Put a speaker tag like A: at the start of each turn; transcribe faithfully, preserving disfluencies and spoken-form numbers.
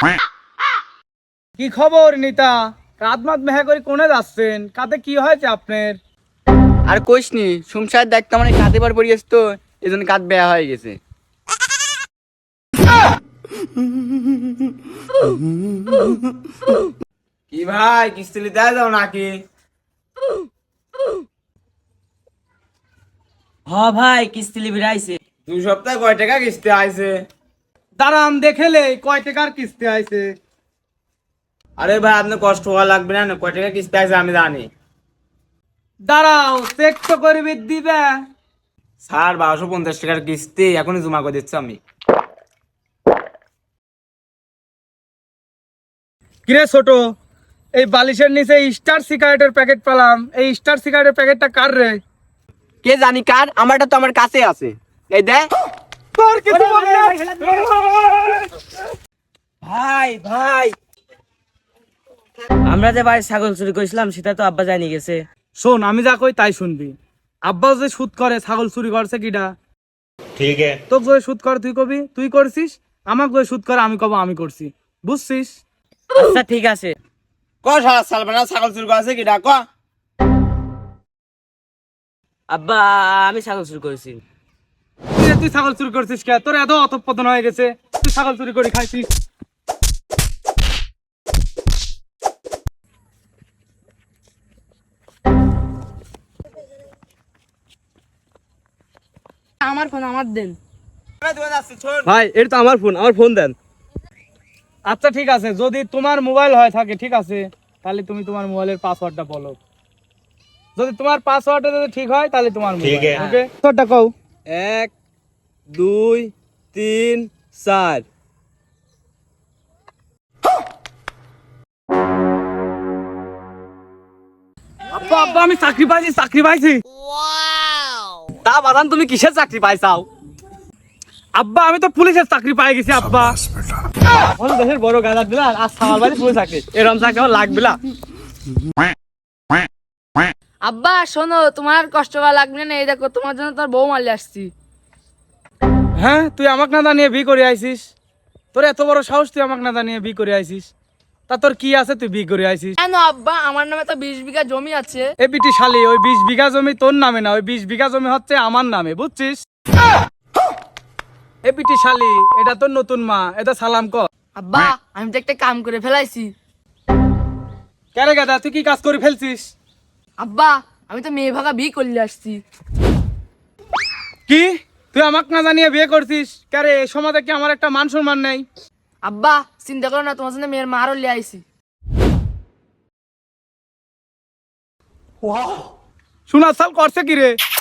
A: কি খবর নিতা? রাত মাত মেহা করে কোনে যাচ্ছেন? কাতে কি হয়েছে আপনার?
B: আর কইস নি, সংসার দেখতে মানে কাঁদে বার পড়ে গেছে তো, এই জন্য কাঁদ বেয়া হয়ে গেছে।
C: কি ভাই, কিস্তি নিতে যাও নাকি?
D: হ ভাই, কিস্তি লিবির আইছে।
C: দুই সপ্তাহে কয় টাকা কিস্তি আইছে?
A: দাঁড়ান দেখেলে কয় টাকার কিস্তি আইছে।
C: আরে ভাই, আপনি কষ্ট হওয়া লাগবে না, কয় টাকা কিস্তি আইছে আমি জানি।
A: দাঁড়াও চেক তো করবি দিবে।
C: স্যার, বারোশো পঞ্চাশ টাকার কিস্তি এখনই জমা করে দিচ্ছি আমি।
A: কিরে ছোট, এই বালিশের নিচে স্টার সিগারেটের প্যাকেট পেলাম, এই স্টার সিগারেটের প্যাকেটটা কার রে?
B: কে জানি কার, আমারটা তো আমার কাছে আছে। এই দেখ।
A: তোর কিছু বলবি না?
D: ভাই ভাই, আমরা যে বাড়ি ছাগল চুরি করেছিলাম সেটা তো আব্বা জানি গেছে।
A: শোন, আমি যা কই তাই শুনবি। আব্বা যে সুদ করে, ছাগল চুরি করছে কিডা?
C: ঠিক আছে।
A: তোকে যে সুদ করে তুই কবি তুই করছিস, আমাকে যে সুদ করে আমি কব আমি করছি, বুঝছিস?
D: আচ্ছা ঠিক আছে।
C: ক সারা সাল বানা ছাগল চুরি করেছে কি ডাক?
D: আব্বা, আমি ছাগল চুরি করেছি।
A: কিরে, তুই ছাগল চুরি করছিস কে? তোর এত অধঃপতন হয়ে গেছে, তুই ছাগল চুরি করে খাইছিস।
E: আমার ফোন আমার দেন।
B: ভাই, এটা তো আমার ফোন, আমার ফোন দেন।
A: আচ্ছা ঠিক আছে, যদি তোমার মোবাইল হয় থাকে ঠিক আছে, তাহলে তুমি তোমার মোবাইলের পাসওয়ার্ডটা বলো। যদি তোমার পাসওয়ার্ডটা যদি ঠিক হয় তাহলে তোমার মোবাইল। ওকে, পাসওয়ার্ডটা কও।
B: এক, দুই, তিন, চার।
A: আব্বা আব্বা, আমি চাকরি পাইছি, চাকরি পাইছি।
B: তা বাদান, তুমি কিসের চাকরি পাইছাও?
A: আব্বা, আমি তো পুলিশের চাকরি পাই গেছি আব্বা।
B: এখন দেশের বড় গাদা দিলা, আর সামাল বাড়ি পুলিশ চাকরি, এরকম চাকরি আমার লাগবে না।
E: আব্বা শোনো, তোমার কষ্ট করা লাগবে না, এই দেখো তোমার জন্য তোর বউ মারলে আসছি।
A: হ্যাঁ, তুই আমাকে না জানিয়ে বি করে আইছিস? তোর এত বড় সাহস, তুই আমাকে না জানিয়ে বি করে আইছিস? তা তোর কি আছে তুই বি করে আইছিস?
E: কেন আব্বা, আমার নামে তো বিশ বিঘা জমি আছে।
A: এ বিটি শালি, ওই বিশ বিঘা জমি তোর নামে না, ওই বিশ বিঘা জমি হচ্ছে আমার নামে, বুঝছিস? এ বিটি শালি, এটা তোর নতুন মা, এটা সালাম কর।
E: আব্বা, আমি তো একটা কাম করে ফেলাইছি।
A: কেরে গাদা, তুই কি কাজ করে ফেলছিস?
E: আব্বা, আমি তো মেয়ে ভাগা বিয়ে করলে আসছি।
A: কি, তুই আমাকে না জানিয়ে বিয়ে করছিস? কেরে, এই সমাজে কি আমার একটা মান সম্মান নেই?
E: আব্বা চিন্তা করো না, তোমার জন্য মেয়ের মারও লিয়ে আইছি।
A: শোনা সাল করছে কি রে?